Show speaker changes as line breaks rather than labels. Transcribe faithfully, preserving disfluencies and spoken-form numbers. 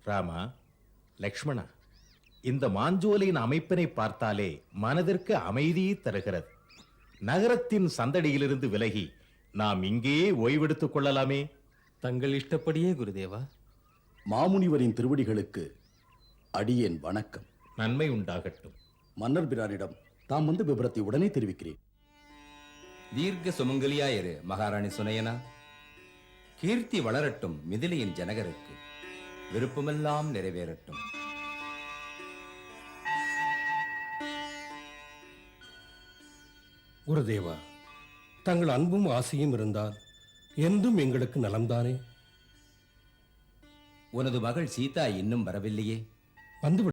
ராமா, லக்ஷ்மணா, இந்த மாஞ்சோலையின் அமைப்பினை பார்த்தாலே மனதிற்கு அமைதியை தருகிறது. நகரத்தின் சந்தடியிலிருந்து விலகி நாம் இங்கேயே ஓய்வெடுத்துக் கொள்ளலாமே.
தங்கள் இஷ்டப்படியே குருதேவா.
மாமுனிவரின் திருவடிகளுக்கு அடியேன் வணக்கம்.
நன்மை உண்டாகட்டும்.
மன்னர் பிரானிடம் தாம் வந்து விபரத்தை உடனே தெரிவிக்கிறேன்.
தீர்க்க சுமங்கலியாயிரு மகாராணி சுனையனா. கீர்த்தி வளரட்டும் மிதிலையின் ஜனகருக்கு, விருப்பமெல்லாம் நிறைவேறட்டும்.
குருதேவா, தங்கள் அன்பும் ஆசையும் இருந்தால் என்றும் எங்களுக்கு நலம்தானே?
உனது மகள் சீதா இன்னும் வரவில்லையே?
வந்து